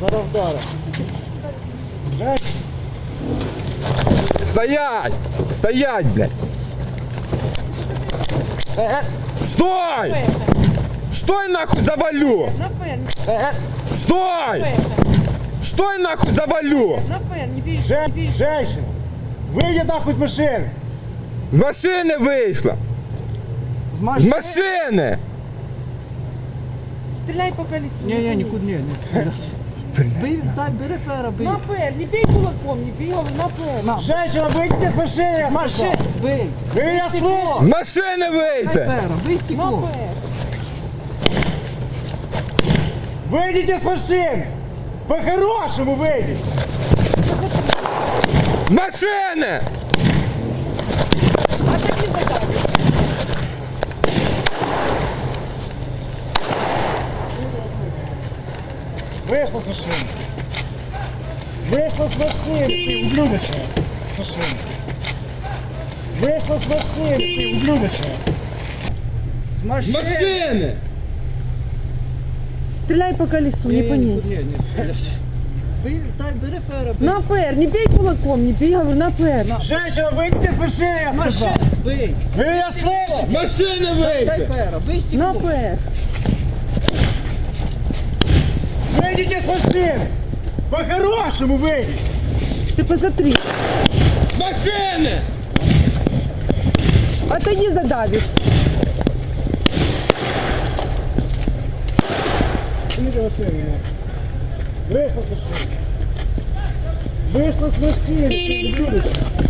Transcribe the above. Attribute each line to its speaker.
Speaker 1: Зараз вдаром.
Speaker 2: Стоять! Стоять, блядь! Стой! Стой нахуй, завалю! Стой! Стой нахуй, завалю!
Speaker 1: Женщина, выйди нахуй с машины.
Speaker 2: З машини вийшла! З машини!
Speaker 3: Стреляй по колесу.
Speaker 1: Не, нікуди не. Бей, дай, бери пера, бей.
Speaker 3: На пер, не бей кулаком, не бей, говорю, на пер.
Speaker 1: Женщина, выйдите с машины, я сказал. Бей. Вы меня
Speaker 2: З
Speaker 1: слышите?
Speaker 2: машини вийти!
Speaker 1: Бей
Speaker 3: На
Speaker 1: стекло.
Speaker 3: пер.
Speaker 1: Выйдите с машины. По-хорошему выйдите.
Speaker 2: З машини!
Speaker 3: А такі задачі.
Speaker 1: Вышла с машины. Вышла с машины, ты ублюдочная. С машины. Вышла с машины, ты ублюдочная. С
Speaker 2: З
Speaker 1: машины.
Speaker 2: машини!
Speaker 3: Стреляй по колесу, не по ней.
Speaker 1: Бей, дай, бери пера, бей.
Speaker 3: На пер, не бей кулаком, не бей, говорю, на пер.
Speaker 1: Женщина, выйдите с машины, я сказал.
Speaker 4: Бей,
Speaker 1: Вы меня
Speaker 2: З
Speaker 1: слышите?
Speaker 2: машини
Speaker 4: дай
Speaker 2: вийти!
Speaker 4: пера, бей
Speaker 3: На
Speaker 4: стекло.
Speaker 3: пер.
Speaker 1: Выйдите с машины. По-хорошему выйдите.
Speaker 3: Ты посмотри.
Speaker 2: З машини!
Speaker 3: Отойди, задавишь.
Speaker 1: Снимите машину. Вышла с машины. Вышла с машины, ты ублюдочная.